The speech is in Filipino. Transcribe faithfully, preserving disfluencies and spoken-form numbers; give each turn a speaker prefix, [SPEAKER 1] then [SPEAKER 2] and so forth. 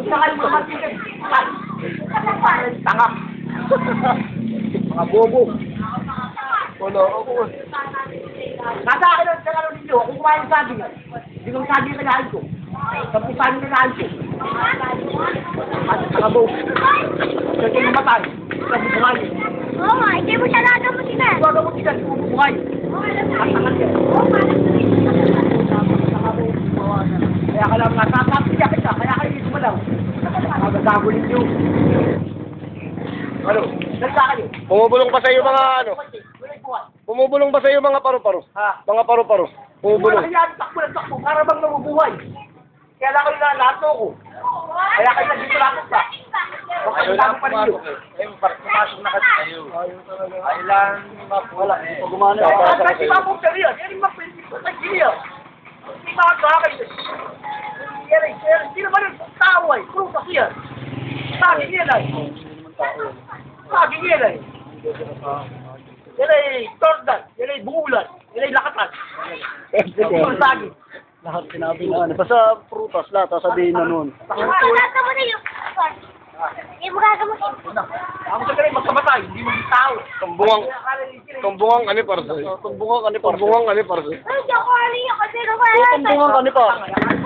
[SPEAKER 1] Sakal mo naman tigil. Tanga. Mga bobo. Wala ako. Nasa akin ang sakalo ninyo. Kung kumain ng saging, hindi kong saging na kinain ko. Tapos saging na kinain ko. Mga bobo. Kasi kayo namatay. Tapos kumain.
[SPEAKER 2] Oo nga, hindi mo siya nagamutin na.
[SPEAKER 1] Gagamutin kung kumain. At tangat yan. Kaya ka lang natatapiyak kita, kaya kayo dito malaw. Magagago ninyo. Ano? Nagsa kayo?
[SPEAKER 3] Bumubulong pa sa iyo mga ano? Bumubulong ba sa iyo mga paru-paro?
[SPEAKER 1] Ha?
[SPEAKER 3] Mga paru-paro. Bumubulong.
[SPEAKER 1] Kaya takbo na takbo, para bang nabubuhay. Kaya lang kayo nalato ko. Kaya kayo nagdito lang pa. Ayaw lang pumasok eh. Ayaw, pumasok na kasi kayo. Ayaw lang wala. Gumana. Kasi mapong kariyan, yan yung maprinsip sa kariyan. Hindi makakakay. Yan ay, hindi naman yung tao ay, puro kasi yan. Saging yan ay. Saging yan ay. Yan ay tordan, yan ay bungulan, yan ay lakatan. Yan ay saging.
[SPEAKER 3] Lahat sinabi na ano. Basta prutas lahat, sasabihin na noon.
[SPEAKER 2] Gagamutin yung... Hindi mo gagamutin.
[SPEAKER 1] Ako sa ganun, magkamatay, hindi mo tao.
[SPEAKER 3] Tumbungang, tumbungang ano para sa iyo? Tumbungang ano para sa iyo? Tumbungang ano para sa iyo?
[SPEAKER 2] Ay, di ako ali. Kasi nung wala.
[SPEAKER 3] Tumbungang ano pa?